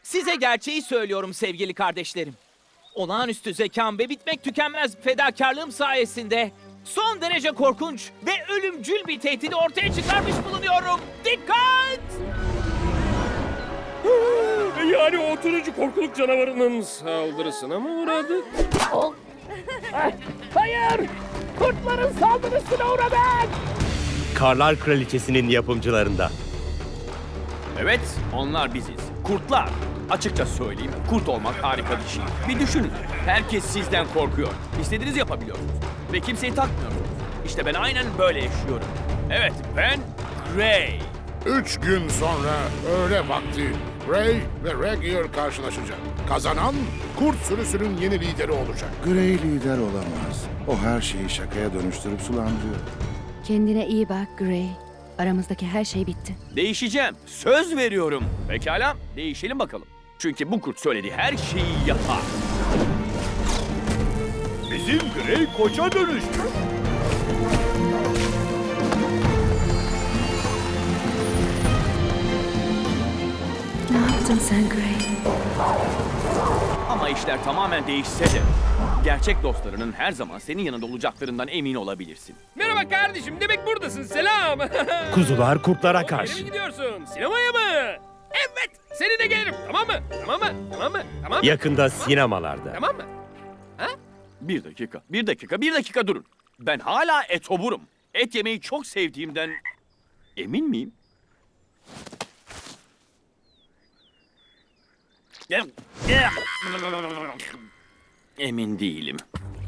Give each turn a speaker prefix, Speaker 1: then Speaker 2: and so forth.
Speaker 1: Size gerçeği söylüyorum sevgili kardeşlerim. Olağanüstü zekam ve bitmek tükenmez fedakarlığım sayesinde son derece korkunç ve ölümcül bir tehdidi ortaya çıkarmış bulunuyorum. Dikkat!
Speaker 2: Yani o turuncu korkuluk canavarının saldırısına mı uğradık?
Speaker 1: Hayır! Kurtların saldırısına uğradık!
Speaker 3: Karlar Kraliçesi'nin yapımcılarında.
Speaker 4: Evet, onlar biziz. Kurtlar. Açıkça söyleyeyim, kurt olmak harika bir şey. Bir düşünün, herkes sizden korkuyor. İstediğinizi yapabiliyorsunuz. Ve kimseyi takmıyorsunuz. İşte ben aynen böyle yaşıyorum. Evet, ben Gray.
Speaker 5: 3 gün sonra öğle vakti Gray ve Regier karşılaşacak. Kazanan kurt sürüsünün yeni lideri olacak.
Speaker 6: Grey lider olamaz. O her şeyi şakaya dönüştürüp sulandırıyor.
Speaker 7: Kendine iyi bak Gray. Aramızdaki her şey bitti.
Speaker 4: Değişeceğim, söz veriyorum. Pekala, değişelim bakalım. Çünkü bu kurt söylediği her şeyi yapar.
Speaker 3: Bizim Grey koça dönüştü.
Speaker 7: Ne yaptın sen Gray?
Speaker 4: Ama işler tamamen değişse de gerçek dostlarının her zaman senin yanında olacaklarından emin olabilirsin.
Speaker 2: Merhaba kardeşim, demek buradasın. Selam.
Speaker 3: Kuzular kurtlara
Speaker 2: Nereye
Speaker 3: karşı.
Speaker 2: gidiyorsun? Sinemaya mı? Evet, seninle gelirim. Tamam mı? Tamam mı? Tamam mı? Tamam mı?
Speaker 3: Yakında sinemalarda.
Speaker 2: Tamam mı?
Speaker 4: Bir dakika durun. Ben hala etoburum. Et yemeyi çok sevdiğimden emin miyim? Emin değilim.